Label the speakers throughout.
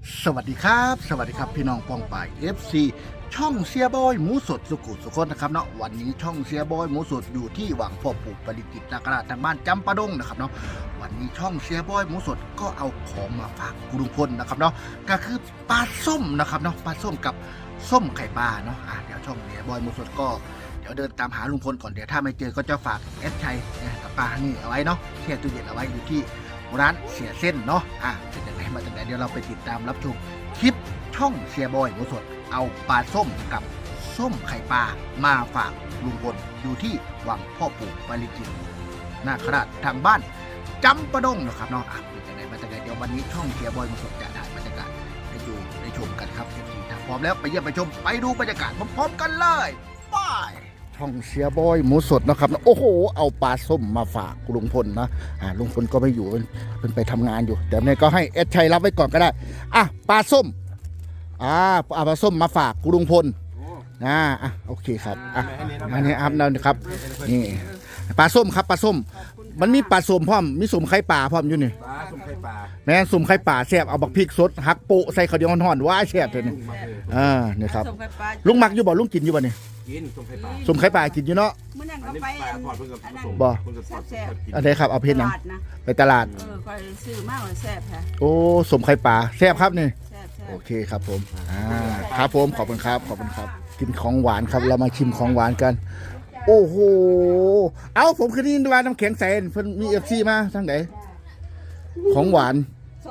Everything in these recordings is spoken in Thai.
Speaker 1: สวัสดีครับสวัสดีครับพี่น้องปองป่าย FC ช่องเสียบอยหมูสดสุขุสุขนนะครับเนาะวันนี้ช่องเสียบอยหมูสดอยู่ที่วังพ่อปู่ปริจิตรนาคราชทางบ้านจำปาดงนะครับเนาะวันนี้ช่องเสียบอยหมูสดก็เอาของมาฝากคุณลุงพลนะครับเนาะก็คือปลาส้มนะครับเนาะปลาส้มกับส้มไข่ปลาเนาะเดี๋ยวช่องเสียบอยหมูสดก็เดี๋ยวเดินตามหาลุงพลก่อนเดี๋ยวถ้าไม่เจอก็จะฝากแอดชัยกับปลานี่เอาไว้เนาะแช่ตู้เย็นเอาไว้อยู่ที่ร้านเสียเส้นเนาะเป็นยังไงมาจากไหนเดี๋ยวเราไปติดตามรับชมคลิปช่องเสียบอยหมูสดเอาปลาส้มกับส้มไข่ปลามาฝากลุงพลอยู่ที่วังพ่อปู่ปาริจิตรนาคราชทางบ้านจำปาดงนะครับเนาะเป็นยังไงมาจากไหนเดี๋ยววันนี้ช่องเสียบอยหมูสดจะถ่ายบรรยากาศให้ดูได้ชมกันครับถ้าพร้อมแล้วไปเยี่ยมไปชมไปดูบรรยากาศพร้อมๆกันเลยไปช่องเสียบอยหมูสดนะครับโอ้โหเอาปลาส้มมาฝากลุงพลนะลุงพลก็ไม่อยู่เป็นไปทำงานอยู่แต่เนี่ยก็ให้เอสชัยรับไว้ก่อนก็ได้ปลาส้มเอาปลาส้มมาฝากลุงพลโอเคครับอันนี้นะครับนี่ปลาส้มครับปลาส้มมันมีปลาส้มพร้อมมีส้มไข่ปลาพร้อมอยู่นี่
Speaker 2: ส้มไข่ปลา
Speaker 1: แม่ส้มไข่ปลาแซ่บเอาบักพริกสดหักโปะใส่ข้าวเหนียวห่อนๆว้าแซ่บเลยนี่นี่ครับลุงมักอยู่บ่ลุงกินอยู่บ่นี่
Speaker 2: กินส้มไข่ปลา
Speaker 1: ส้มไข่ปลากินอยู่เนาะ
Speaker 2: อันนี้ปลาทอดเพิ่งกับผสม
Speaker 1: บ่
Speaker 2: แซ่บ
Speaker 1: อันไหนครับเอาเพชรยังไปตลาด
Speaker 3: คอยซื้อมากเลยแซ่บค่ะ
Speaker 1: โอ้ส้มไข่ปลาแซ่บครับนี่
Speaker 3: แซ่บ
Speaker 1: โอเคครับผมครับผมขอบคุณครับกินของหวานครับเรามาชิมของหวานกันโอ้โหเอาผมคืนนี้ว่าน้ำแข็งใสเพิ่นมี FC มาทั้งไหนของหวาน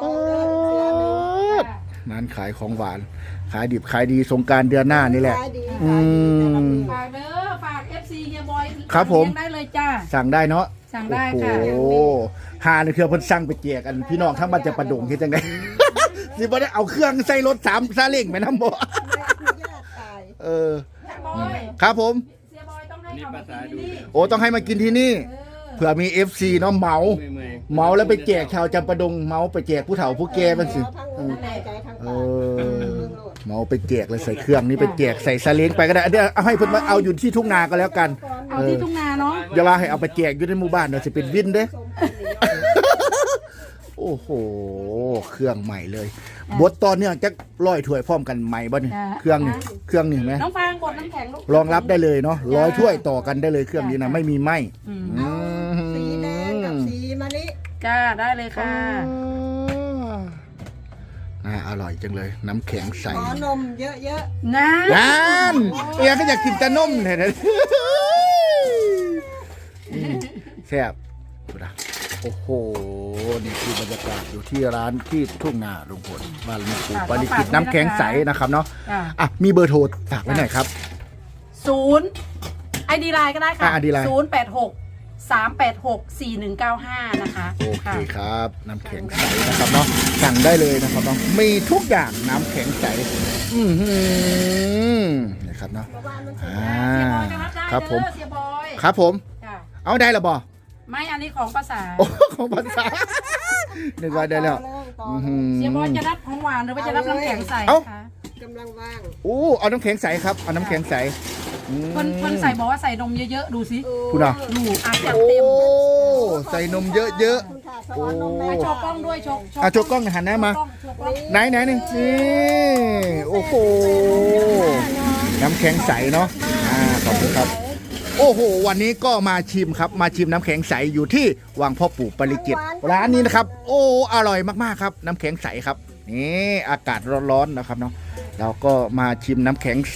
Speaker 1: ร้านขายของหวานขายดิบขายดีสงกรานต์เดือนหน้านี่แหละ
Speaker 3: ฝากเด้อฝาก FC เฮียบอย
Speaker 1: ครับผม
Speaker 3: ได้เลยจ้า
Speaker 1: สั่งได้เนาะ
Speaker 3: สั่งได้ค่ะ
Speaker 1: โอ้หาในเครือเพิ่นสั่งไปแจกกันพี่น้องทั้งบ้านจะประดงเฮ็ดจังได๋สิบ่ได้เอาเครื่องใส่รถ3ซาเล้งไปนำบ่ครับผม
Speaker 3: เฮียบอยต้องให้เขามากินที่นี่
Speaker 1: โอ้ต้องให้มากินที่นี่เผื่อมี FC เนาะเหมาแล้วไปแจกชาวจำปาดงเมาไปแจกผู้เฒ่าผู้แก่มันสิเมาไปแจกเลยใส่เครื่องนี้ไปแจกใส่ซาเล้งไปก็ได้เดี๋ยวเอาให้เพิ่นมาเอาอยู่ที่ทุ่งนาก็แล้วกัน
Speaker 3: เอาที่ทุ่งนาเนาะ
Speaker 1: อย่าว่าให้เอาไปแจกอยู่ในหมู่บ้านเดี๋ยวสิเป็นวินเด้โอ้โหเครื่องใหม่เลยบดตอนนี้จะร้อยถ้วยพร้อมกันใหม่บ่นี่เครื่องนี่เห็นไหม
Speaker 3: น้องฟางกดน้ำแข็ง
Speaker 1: รองรับได้เลยเนาะ100ถ้วยต่อกันได้เลยเครื่องนี้นะไม่มีไหม้
Speaker 3: สีแดงกับสีมะลิจ้าได้เลยค่ะ
Speaker 1: อร่อยจังเลยน้ำแข็งใส
Speaker 3: ขอนมเยอะๆนั่
Speaker 1: นเอียก็อยากกินแต่นมเลยนะแซ่บโอ้โหนี่คือบรรยากาศอยู่ที่ร้านที่ทุ่งนาลุงพลบ้านลุงปู่ปาริจิตรน้ำแข็งใสนะครับเนาะมีเบอร์โทรฝากไว้หน่อยครับ
Speaker 3: 0 ID ไลน์ก็ได้ค่ะ086-386-4195นะคะ
Speaker 1: โอเคครับน้ำแข็งใสนะครับเนาะสั่งได้เลยนะครับเนาะมีทุกอย่างน้ำแข็งใสนี่ครับเนาะครับผมครับผมเอาได้หรอบอ
Speaker 3: ไม่อันนี้ของภาษา
Speaker 1: ของภาษานึกว่าได้แล้ว
Speaker 3: เสียบอยจะรับของหวานหรือว่าจะรับน้ำแข็งใสคะ
Speaker 2: กำลังว่าง
Speaker 1: เอาน้ำแข็งใสครับเอาน้ำแข็งใส
Speaker 3: คนใส่บอกว่าใส่นมเยอะๆดูสิ
Speaker 1: คุณอ่ะ
Speaker 3: ดูจัดเต็ม
Speaker 1: ใส่นมเยอะๆโอ้
Speaker 3: โชว์กล้องด้วยโช
Speaker 1: ว์กล้องหันหน้ามาไหนนี่โอ้โหน้ำแข็งใสเนาะขอบคุณครับโอ้โหวันนี้ก็มาชิมครับมาชิมน้ำแข็งใสอยู่ที่วังพ่อปู่ปาริจิตรร้านนี้นะครับโอ้อร่อยมากๆครับน้ำแข็งใสครับนี่อากาศร้อนๆนะครับเนาะเราก็มาชิมน้ำแข็งใส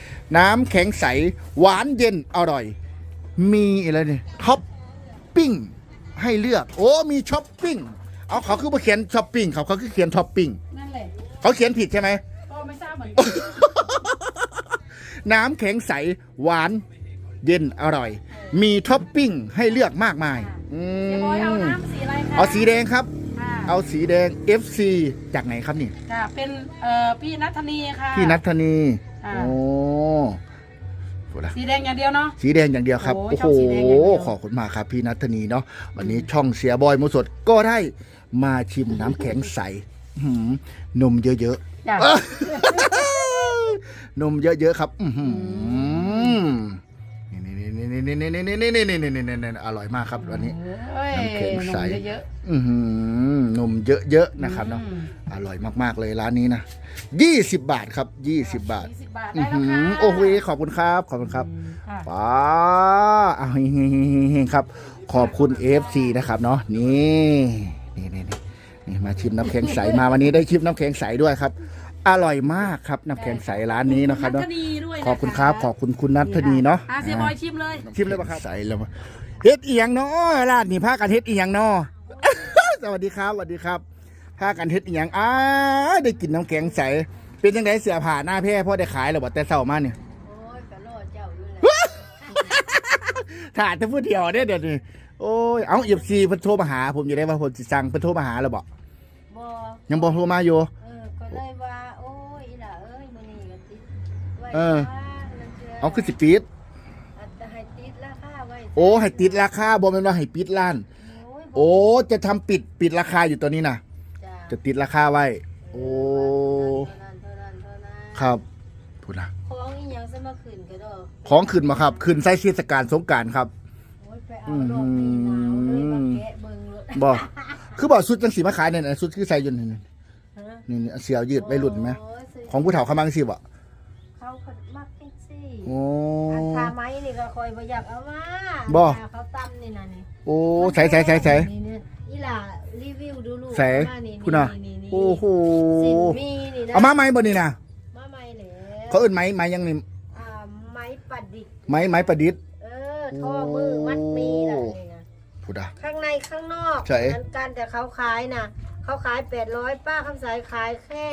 Speaker 1: หวานเย็นอร่อยมีอะไรเนี่ยท็อปปิ้งให้เลือกมีช้อปปิ้งเขาคือมาเขียนช้อปปิ้งเขาคือเขียนท็อปปิ้ง
Speaker 3: นั่นแหละ
Speaker 1: เขาเขียนผิดใช่ไหม
Speaker 3: ก็ไม่ทราบเหมือนกัน
Speaker 1: น้ำแข็งใสหวานเย็นอร่อยมีท็อปปิ้งให้เลือกมากมาย
Speaker 3: เอาน้ำสีอะไรคะ
Speaker 1: เอาสีแดงครับเอาสีแดง FC จากไหนครับนี่
Speaker 3: เป็นพี่นัทธนีค่ะ
Speaker 1: พี่นัทธนี
Speaker 3: สีแดงอย่างเดียวเนาะ
Speaker 1: สีแดงอย่างเดียวครับโอ้โหขอบคุณมากครับพี่นัทธนีเนาะวันนี้ช่องเสียบอยหมูสดก็ได้มาชิมน้ำแข็งใสนมเยอะๆนมเยอะๆครับนี่นี่อร่อยมากครับวันนี้ น้ำแข็งใส
Speaker 3: นมเยอะ
Speaker 1: นมเยอะๆนะครับเนาะอร่อยมากๆเลยร้านนี้นะ20 บาทครับ20 บาท
Speaker 3: 20 บาทได้แล้วค่ะ
Speaker 1: โอ้โหขอบคุณครับ
Speaker 3: ค่ะ
Speaker 1: ป้าเอาครับ ขอบคุณ FC นะครับเนาะนี่มาชิมน้ำแข็งใสมาวันนี้ได้ชิมน้ำแข็งใสด้วยครับ อร่อยมากครับน้ำแข็งใสร้านนี้นะครับเนาะขอบคุณครับขอบคุณคุณนัทธนีเนาะ
Speaker 3: เสียบอยชิมเลย
Speaker 1: ชิมเลยป่ะครับใสแล้วเฮ็ดเอียงเนาะร้านนี่พากันเฮ็ดเอียงเนาะ สวัสดีครับพากันเฮ็ดเอียงได้กินน้ำแข็งใสเป็นยังไงเสียผ่าหน้าแพร่พ่อได้ขายหรือบ่แต่เช้ามาเนี่ย
Speaker 2: โอ้ยกะโลดเจ้าอยู่แหละ
Speaker 1: ถ่ายแต่ผู้เดียวเดี๋ยวนี้โอ้ยเอาเอฟซีเพิ่นโทรมาหาผมอยู่ได้ว่าผมสิสั่งเพิ่นโทรมาหาแล้วบ่
Speaker 2: บ่
Speaker 1: ยังบ่โทรมาอยู่
Speaker 2: ก็เลยว่าโอ้ยอีหล่าเอ้ยมื้อนี้ก็ติดไว้
Speaker 1: เอาคือสิปิด
Speaker 2: จะให้ติดราคาไว้
Speaker 1: โอ้ให้ติดราคาบ่แม่นว่าให้ปิดร้าน โอ้จะทำปิดราคาอยู่ตัวนี้นะจะติดราคาไว้โอ้ครับพูดนะ
Speaker 2: ของอีหยังซะมาขึ้นก็ดอก
Speaker 1: ของขึ้นมาครับขึ้นใส่เทศกาลสงกรานต์ครับ
Speaker 2: โอ้ยไปเอาดอกนี้หนาวเลยมาแกะเบิ่งเลย
Speaker 1: บ่คือบ่ชุดจังสีมาขายเนี่ยนะชุดคือใส่อยู่นี่
Speaker 2: ฮะ
Speaker 1: นี่เสียวยืดไปรุ่นไหม
Speaker 2: โยซื้
Speaker 1: ของผู้เฒ่าเขามังสิบ่
Speaker 2: เขาเพิ่นมักจังซี่
Speaker 1: โอ้
Speaker 2: อันทาไม้นี่ก็คอยบ่อยากเอามา
Speaker 1: บ่
Speaker 2: เขาตำนี่น่ะนี่
Speaker 1: โอ้ใส่
Speaker 2: นี่เนี่ยอีหล่ารีวิวดูลูก
Speaker 1: ใส่
Speaker 2: มานี่
Speaker 1: คุณน่ะ
Speaker 2: นี่
Speaker 1: โอ้โห
Speaker 2: สินมีนี่นะ
Speaker 1: เอามาไหมบ่นี่นะ
Speaker 2: มาใหม่แล้ว
Speaker 1: เขาเอิ้นไหมยังนี่
Speaker 2: ไม้ประดิษฐ์
Speaker 1: ไหมประดิษฐ์
Speaker 2: ท่อมือมัดมีน่ะนี่นะ
Speaker 1: พูดอ่ะ
Speaker 2: ข้างในข้างนอก
Speaker 1: ใช่
Speaker 2: เหมือนกันแต่เขาขายนะเขาขาย800ป้าคำสายขายแค่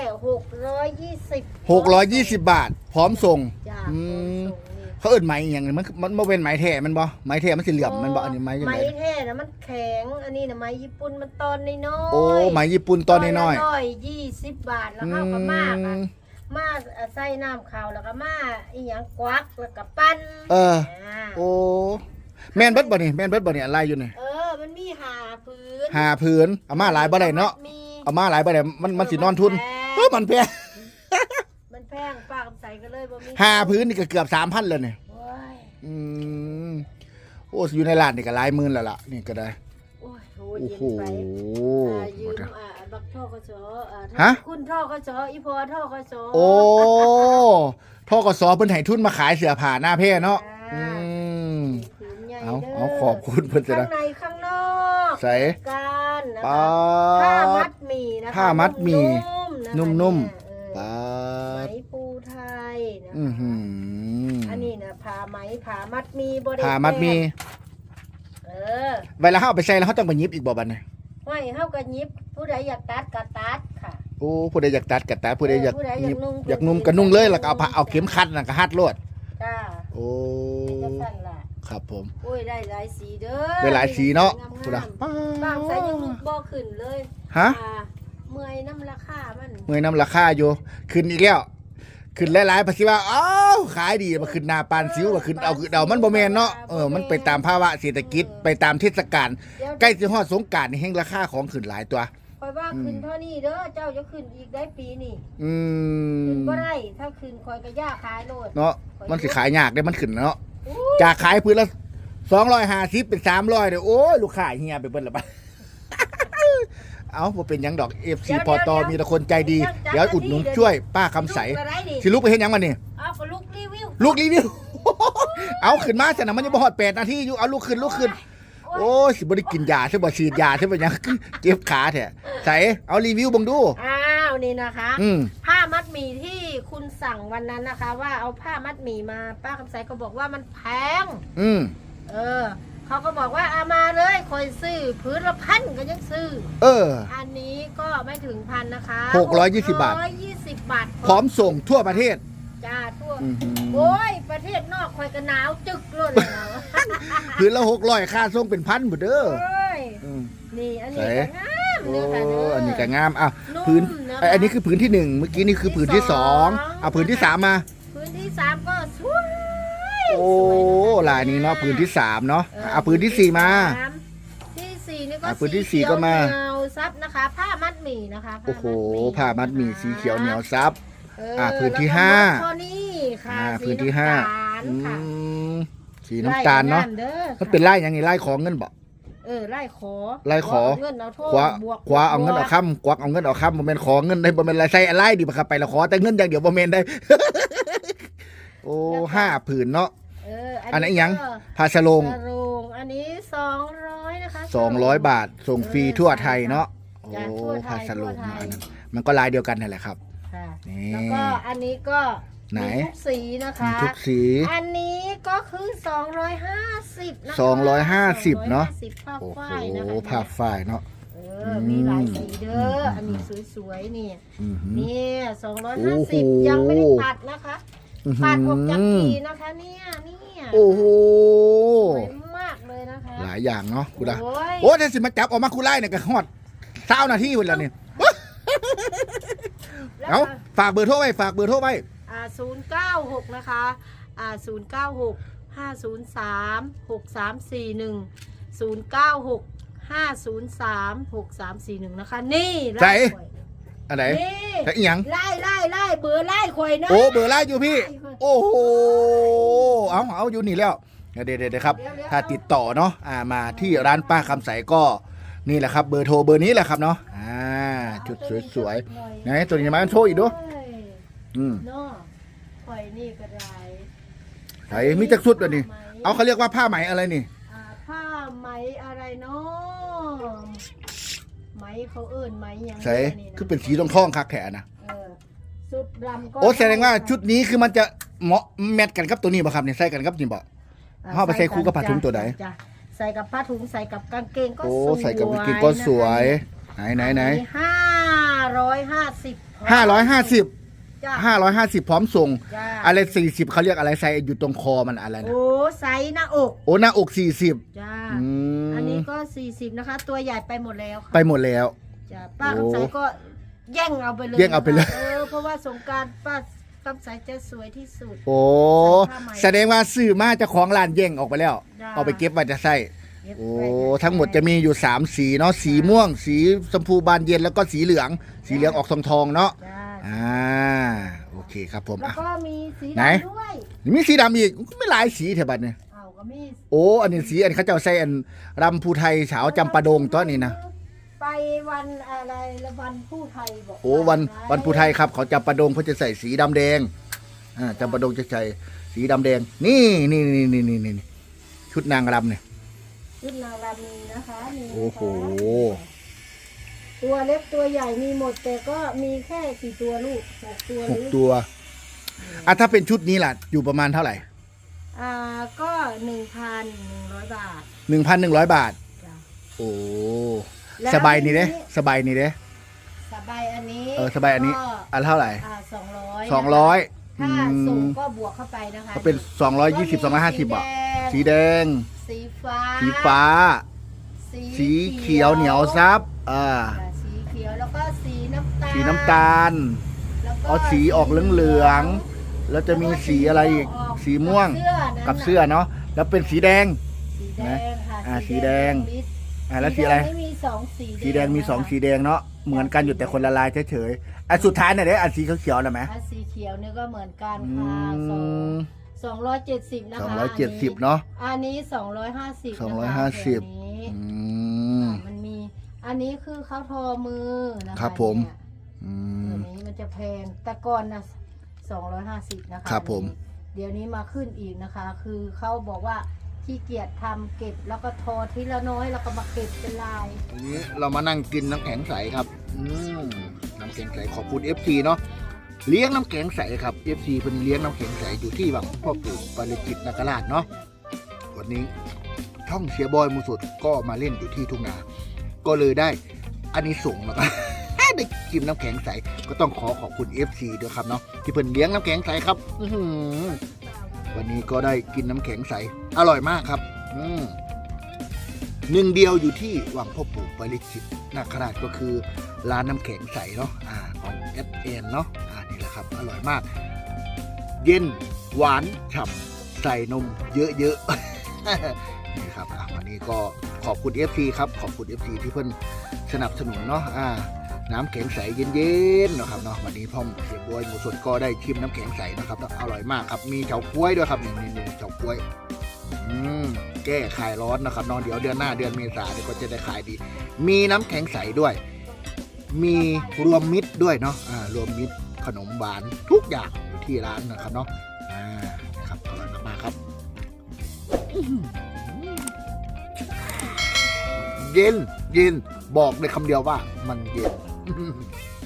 Speaker 2: 620
Speaker 1: 620 บาท พร้อมส่ง
Speaker 2: จ้า
Speaker 1: อืม
Speaker 2: ส่งนี่
Speaker 1: เขาเอิ้นไหมอย่างนี้มันบ่เป็นไหมแท้มันบ่ไหมแท้มันสิเหลี่ยมมันบ่อันนี้ไหมยัง
Speaker 2: ไม้
Speaker 1: ไง
Speaker 2: แท้นะมันแข็งอันนี้นะไม้ญี่ปุ่นมันตอนน้อยๆ
Speaker 1: โอ้ไหมญี่ปุ่นตอนน้อย
Speaker 2: 20 บาท
Speaker 1: ๆ
Speaker 2: แล้วเข้ากับมากอะมาใส่น้ำขาวแล้วก็มาอีหยังกวักแล้วก็ปั้น
Speaker 1: เออ
Speaker 2: อ่า
Speaker 1: โอ้แม่นเบิดบ่นี่แม่นเบิดบ่นี่อะไรอยู่นี่
Speaker 2: มันมีหาพื้น
Speaker 1: หาพื้นเอามาหลายบ่ได้เนาะ
Speaker 2: มี
Speaker 1: เอามาหลายบ่ได้มันสินอนทุนมันแพง
Speaker 2: มันแพงป้าคำใสก็เลยบ่มี
Speaker 1: หาพื้นนี่ก็เกือบ 3,000แล้วนี่
Speaker 2: โอ้ย
Speaker 1: อืมโอ้อยู่ในร้านนี่ก็หลายหมื่นแล้วล่ะนี่ก็ได้
Speaker 2: โอ้ยโห
Speaker 1: โอ้
Speaker 2: เย็น
Speaker 1: โห
Speaker 2: ไปยืมบักท่อกส
Speaker 1: ฮะ
Speaker 2: คุณท่อกสอีพอท่อกส
Speaker 1: โอ้ทกสเพิ่นให้ทุนมาขายเสื้อผ้าหน้าแพร่เนาะอืม
Speaker 2: ผืนใหญ่
Speaker 1: เอา
Speaker 2: ด้
Speaker 1: เอาขอบคุณเพิ่นจะ
Speaker 2: ข้า
Speaker 1: ได้
Speaker 2: งในข้างนอก
Speaker 1: ใส่
Speaker 2: กันนะ
Speaker 1: ป๊า
Speaker 2: คะผ้ามั
Speaker 1: ด
Speaker 2: ดหมี่นะคะ
Speaker 1: ผ้ามัดหมี่
Speaker 2: นุ่ม
Speaker 1: ป๊า
Speaker 2: ไหม
Speaker 1: ด
Speaker 2: ปูไทยนะ
Speaker 1: อือหื
Speaker 2: อันนี้นะผ้าไหมผ้ามัดหมี่บริ
Speaker 1: ผ้ามัดมี
Speaker 2: เออ
Speaker 1: เวลาเฮาเอาไปใส่แล้วเฮาต้องไปหยิบอีกบ่บัดนี้
Speaker 2: ห้อยเฮาก็หยิบผู้ใดอยากตัดก็ตัดค่ะ
Speaker 1: โอ้ผู้ใดอยากตัดก็ตัดผู้ใดอยาก
Speaker 2: ผู้ใด
Speaker 1: หยิบ
Speaker 2: อยากนุ่ง
Speaker 1: ก็นุ่งเลยแล้วก็เอาเข็มขัดน่ะก็หัดโลด
Speaker 2: จ้า
Speaker 1: โอ้
Speaker 2: จะสั่นล่ะ
Speaker 1: ครับผม
Speaker 2: โอ้ยได้หลายสีเด้อ
Speaker 1: ได้หลายสีเนาะ
Speaker 2: งาม
Speaker 1: พูดอะ
Speaker 2: บางใส่ยังลุกบ่ขึ้นเลย
Speaker 1: ฮะ
Speaker 2: เมื่อยน้ำราคามัน
Speaker 1: เมื่อยน้ำราคาอยู่ขึ้นอีกแล้วขึ้นหลายๆภาษีว่าอ้าวขายดีมาขึ้นหน้าปานซิวมาขึ้นเอามันบ่แม่นเนาะมันไปตามภาวะเศรษฐกิจไปตามเทศกาลใกล้สิฮอดสงกรานต์นี่แฮงราคาของขึ้นหลายตัว
Speaker 2: คอยว่าขึ้นเท่านี้เด้อเจ้าจะขึ้นอีกได้ปีนี่
Speaker 1: อื
Speaker 2: ขึ้น
Speaker 1: ม
Speaker 2: บ่ได้ถ้าขึ้นคอยก็ย่าขายโลด
Speaker 1: เนาะมันสิขายยากได้มันขึ้นเนาะจากขายพื้นละ250เป็น300เด้อโอ้ยลูกค้าเฮียไปเบิดละบัด เอาบ่เป็นหยังดอก FC พอตอมีแต่คนใจดีเดี๋ยวอุดหนุนช่วยป้าคำใส
Speaker 2: ลูกก็ได้ดิ
Speaker 1: สิลุกไปเฮ็ดหยังมันนี่
Speaker 2: เอาก็ลูกรีวิว
Speaker 1: ลูกรีวิว เอาขึ้นมาแต่นะมันยังบ่ฮอด8นาทีอยู่เอาลูกขึ้นโอ้ยสิบ่ได้กินยาใช่บ่ฉีดยาใช่บ่หยัง เจ็บขาแท้ใส่เอารีวิวเบิ่งดู
Speaker 2: อ้าวนี่นะคะ
Speaker 1: อืม
Speaker 2: ผ้ามัดหมี่ที่คุณสั่งวันนั้นนะคะ ว่าเอาผ้ามัดหมี่มาป้าคำใสก็บอกว่ามันแพง
Speaker 1: อืม
Speaker 2: เขาก็บอกว่าเอามาเลยคอยซื้อพื้นละ1,000ก็ยังซื้อ
Speaker 1: เออ
Speaker 2: อันนี้ก็ไม่ถึงพันนะคะ
Speaker 1: 620 บาท
Speaker 2: 620 บาท
Speaker 1: พร้อมส่งทั่วประเทศ
Speaker 2: จ้าทั่ว
Speaker 1: อื้อหือ
Speaker 2: โอ้ยประเทศนอกคอยก็หนาวจึกเลยแล้ว
Speaker 1: คืนละ600ค่าส่งเป็นพันบ่เด้อ
Speaker 2: โอ้ย
Speaker 1: อืม
Speaker 2: นี่อันนี้
Speaker 1: ใส่
Speaker 2: ก็งาม
Speaker 1: โอ้
Speaker 2: เด้อค่ะเด้อ
Speaker 1: อั
Speaker 2: อั
Speaker 1: นนี้ก็งามอ่ะ
Speaker 2: นุ่ม
Speaker 1: พื้น
Speaker 2: นะคะ
Speaker 1: อันนี้คือพื้นที่1เมื่อกี้นี่คือพื้นที่2เอาพื้นที่3มา
Speaker 2: พื้นที่3ก็สวย
Speaker 1: โอ้
Speaker 2: สวยนะคะ
Speaker 1: ลายนี้เนาะพื้นที่3เนาะเอาพื้นที่4มา
Speaker 2: ที่4นี่ก็
Speaker 1: พื้นที่สี่ก็มา
Speaker 2: สีเขียวเหนียวซับนะคะ ผ้ามัดหมี่นะคะ
Speaker 1: โอ้โห
Speaker 2: ผ้ามัดหมี่
Speaker 1: ผ้ามัดหมี่สีเขียวเหนียวซับ
Speaker 2: เ
Speaker 1: พื้นที่
Speaker 2: แล้วก็
Speaker 1: ห้า
Speaker 2: ข้อนี้ค่ะ
Speaker 1: พื้นที่5
Speaker 2: สีน้ำตาลค่ะ
Speaker 1: โอเคสีน้ำตาลเนาะ
Speaker 2: ไล่ด้อ
Speaker 1: มันเป็นไล่ยังไงไล่ของเงินบ่
Speaker 2: ไล่ขอ
Speaker 1: ไล่ขอ
Speaker 2: เงินเอาโทษ
Speaker 1: คว้า
Speaker 2: บวก
Speaker 1: คว้าเอาเงินเอาค้ำกวักเอาเงินเอาค้ำบ่แม่นขอเงินได้บ่แม่นอะไรใส่อะไรดีบ่ครับไปละขอแต่เงินอย่างเดียวบ่แม่นได้ โอ้5 ผืนเนาะ อันนั้นอีหยังพาสลง
Speaker 2: สโรงอันนี้200นะคะ
Speaker 1: 200 บาทส่งฟรีทั่วไทยเนาะโอ้
Speaker 2: จ้ะทั่วไทย
Speaker 1: พาสลง
Speaker 2: ทั่วไทย
Speaker 1: อันนั้นมันก็ลายเดียวกันนั่นแหละครับ
Speaker 2: ค่ะ
Speaker 1: นี่
Speaker 2: แล้วก็อันนี้ก็
Speaker 1: ไหน
Speaker 2: มีทุกสีนะคะ
Speaker 1: มีทุกสี
Speaker 2: อันนี้ก็คือ250นะคะ
Speaker 1: 250เนาะ
Speaker 2: 250ผ้า
Speaker 1: โอ้โห
Speaker 2: ฝ้ายนะคะ
Speaker 1: ผ้าฝ้ายเนาะ
Speaker 2: มีหลายสีเด้ออันนี้สวยๆนี่
Speaker 1: อือหือ
Speaker 2: นี่
Speaker 1: โอ้โห
Speaker 2: 250ยังไม่ได้ตัดนะคะ
Speaker 1: อื้อหื
Speaker 2: ตัดออกจาก
Speaker 1: อ
Speaker 2: สีนะคะเนี่ย
Speaker 1: โอ้โห
Speaker 2: สวยมากเลยนะคะ
Speaker 1: หลายอย่างเนาะคุณดา
Speaker 2: โอ้ย
Speaker 1: โอ้ถ้าสิมาจับออกมาคุไล่เนี่ยก็ฮอด20 นาทีพุ่นแล้วนี่
Speaker 2: แล้ว
Speaker 1: เอาฝากเบอร์โทรไว้ฝากเบอร์โทรไว้
Speaker 2: 096นะคะ096 503 6341 096 503 6341นะคะนี่
Speaker 1: ใจ
Speaker 2: ไล่ข่อย
Speaker 1: อันไหน
Speaker 2: นี่
Speaker 1: แต่อีหยัง
Speaker 2: ไล่เบอร์ไล่ข่อยนะ
Speaker 1: โอ้เบอร์ไล่อยู่พี่ โอ้โหเอาอยู่นี่แล้วเดี๋ยวครับ ถ้าติดต่อเนาะมาที่ร้านป้าคำใสก็นี่แหละครับเบอร์โทรเบอร์นี้แหละครับเนาะชุดสวยๆไหนตัวนี้มาโชว์อีกดู
Speaker 2: เอ้ย
Speaker 1: อืม
Speaker 2: เนาะข่อยนี่ก็ได้
Speaker 1: ไหนมีจักชุดเลยนี่เอาเขาเรียกว่าผ้าไหมอะไรนี่
Speaker 2: ผ้าไหมอะไรเนาะไหมเขาเอิ้นไหมยัง
Speaker 1: ใส่
Speaker 2: นี่นะ
Speaker 1: คือเป็นสีทองคักแขนนะ
Speaker 2: ชุดดำก็
Speaker 1: โอ้แสดงว่าชุดนี้คือมันจะเหมาะแมทกันกับตัวนี้ป่ะครับเนี่ยใส่กันกับนี่บ่ เอาไปใส่คู่กับผ้าถุงตัวไหน
Speaker 2: จ้ะใส่กับผ้าถุงใส่กับกางเกงก็
Speaker 1: โอ้
Speaker 2: สวย
Speaker 1: ใส่กับกางเกงก็สวยไหน
Speaker 2: 550
Speaker 1: 550
Speaker 2: จ้ะ
Speaker 1: 550พร้อมส่ง
Speaker 2: จ้ะ
Speaker 1: อะไร40เขาเรียกอะไรใส่อยู่ตรงคอมันอะไรนะ
Speaker 2: โอ้ไซส์หน้าอก
Speaker 1: โอ้หน้าอก40
Speaker 2: จ้า
Speaker 1: อืม
Speaker 2: อันนี้ก็40นะคะ ตัวใหญ่ไปหมดแล้วค่ะ
Speaker 1: ไปหมดแล้ว
Speaker 2: จ้ะป้า
Speaker 1: โอ้
Speaker 2: คำใสก็แย่งเอาไปเลย
Speaker 1: แย่งเอาไปเลย
Speaker 2: เพราะว่าสงกรารป้าคำใสจะสวยที่สุด
Speaker 1: โอ้
Speaker 2: ใส่ผ้าไหม
Speaker 1: แสดงว่าซื้อมาเจ้าของร้านแย่งออกไปแล้ว
Speaker 2: จ้ะ
Speaker 1: เอาไปเก็บไว้จะใส่
Speaker 2: เย็บ
Speaker 1: โอ้
Speaker 2: ไว้
Speaker 1: ทั้งหมดจะมีอยู่3สีเนาะสีม่วง สีชมพูบานเย็นแล้วก็สีเหลืองออกทองๆเนาะ
Speaker 2: จ้า
Speaker 1: โอเคครับผม
Speaker 2: แล้ว
Speaker 1: อ่ะ
Speaker 2: ก็มีสี
Speaker 1: ไหน
Speaker 2: ดำด้วย
Speaker 1: มีสีดำอีกไม่หลายสีเถอะบัดเนี่ย
Speaker 2: เอาก็มี
Speaker 1: โอ้อันนี้สีอันเขาเจ้าใส่อันรำภูไทยเฉาจำปาดงตัวนี้นะ
Speaker 2: ไปวันอะไรละวันผู้ไทยบอก
Speaker 1: โอ้วันภูไทยครับเขาจำปาดงเขาจะใส่สีดำแดงจำปาดงจะใส่สีดำแดงนี่ชุดนางรำเนี่ย
Speaker 2: ชุดนางรำนี้นะคะนี่นะคะ
Speaker 1: โอ้โห
Speaker 2: ตัวเล็กตัวใหญ่มีหมดแต่ก็มีแค่กี่ตัวลูก6 ตัวหรือ
Speaker 1: 6 ตัวถ้าเป็นชุดนี้ล่ะอยู่ประมาณเท่าไหร่
Speaker 2: ก็ 1,100 บาท
Speaker 1: 1,100 บาท
Speaker 2: จ้ะ
Speaker 1: โอ้
Speaker 2: แล้ว
Speaker 1: สบายนี่เด้สบายนี่เด้
Speaker 2: สบายอันนี้
Speaker 1: สบายอันนี้
Speaker 2: ก็
Speaker 1: อันเท่าไหร่
Speaker 2: 200
Speaker 1: 200
Speaker 2: ถ้าส่งก็บวกเข้าไปนะคะ
Speaker 1: ก็เป็น220 250บาทสีแดง
Speaker 2: สีฟ้า
Speaker 1: สีฟ้า สีเขียวเหนียวซับ
Speaker 2: สีเขียวแล้วก็สีน้ำตาล
Speaker 1: สีน้ำตาล
Speaker 2: แล้วก็
Speaker 1: เอาสีออกเหลืองๆแล้วจะมีสีอะไรอีกสีม่วงกับเสื้อเนาะแล้วเป็นสีแดง
Speaker 2: สีแดงค่ะ
Speaker 1: สีแดง แล้วสีอะไร
Speaker 2: แดงมี2สี
Speaker 1: สีแดงมี2สีแดงเนาะเหมือนกันอยู่แต่คนละลายเฉยๆสุดท้ายเนี่ยเด้สีเขียวๆนะไหม
Speaker 2: สีเขียวเนี่ยก็เหมือนกัน
Speaker 1: อื
Speaker 2: ค่ะ
Speaker 1: ม
Speaker 2: 270นะคะ
Speaker 1: 270เนาะ
Speaker 2: อันนี้250นะคะ
Speaker 1: 250
Speaker 2: ตัวนี้
Speaker 1: อืม
Speaker 2: มันมีอันนี้คือเขาทอมือนะคะ
Speaker 1: ครับผม
Speaker 2: เนี่ย
Speaker 1: อื
Speaker 2: ตัว
Speaker 1: ม
Speaker 2: นี้มันจะแพงแต่ก่อนนะ250นะคะ
Speaker 1: ครับผม
Speaker 2: เดี๋ยวนี้มาขึ้นอีกนะคะ คือเขาบอกว่าขี้เกียจทำเก็บแล้วก็ทอทีละน้อยแล้วก็มาเก็บเป็นลาย
Speaker 1: วันนี้เรามานั่งกินน้ำแข็งใสครับน้ำแข็งใสขอบคุณ FC เนาะเลี้ยงน้ำแข็งใสครับ FC เพิ่นเลี้ยงน้ำแข็งใสอยู่ที่วังพ่อปู่ปาริจิตนาคราชเนาะวันนี้ช่องเชียร์บอยมูสุดก็มาเล่นอยู่ที่ทุ่งนา ก็เลยได้อันนี้ส่งส์แล้วก็ ได้กินน้ำแข็งใสก็ต้องขอบคุณ FC ด้วยครับเนาะที่เพิ่นเลี้ยงน้ำแข็งใสครับวันนี้ก็ได้กินน้ำแข็งใสอร่อยมากครับหนึ่งเดียวอยู่ที่วังพ่อปู่ปาริจิตนาคราชก็คือร้านน้ำแข็งใสเนาะของ FN เนาะนี่แหละครับอร่อยมาก เย็นหวานฉ่ำใส่นมเยอะๆ นี่ครับวันนี้ก็ขอบคุณ FC ครับขอบคุณ FC ที่เพิ่นสนับสนุนเนาะน้ำแข็งใสเย็นๆนะครับเนาะวันนี้พ่อเสียบวยหมูสดก็ได้ชิมน้ำแข็งใสนะครับอร่อยมากครับมีเฉาก๊วยด้วยครับนี่เฉาก๊วยแก้คลายร้อนนะครับน้องเดี๋ยวเดือนหน้าเดือนเมษาเนี่ยก็จะได้ขายดี มีน้ำแข็งใสด้วย มีรวมมิตรด้วยเนาะรวมมิตรขนมหวานทุกอย่างอยู่ที่ร้านนะครับเนาะครับอร่อยมากๆครับเย็นบอกในคำเดียวว่ามันเย็น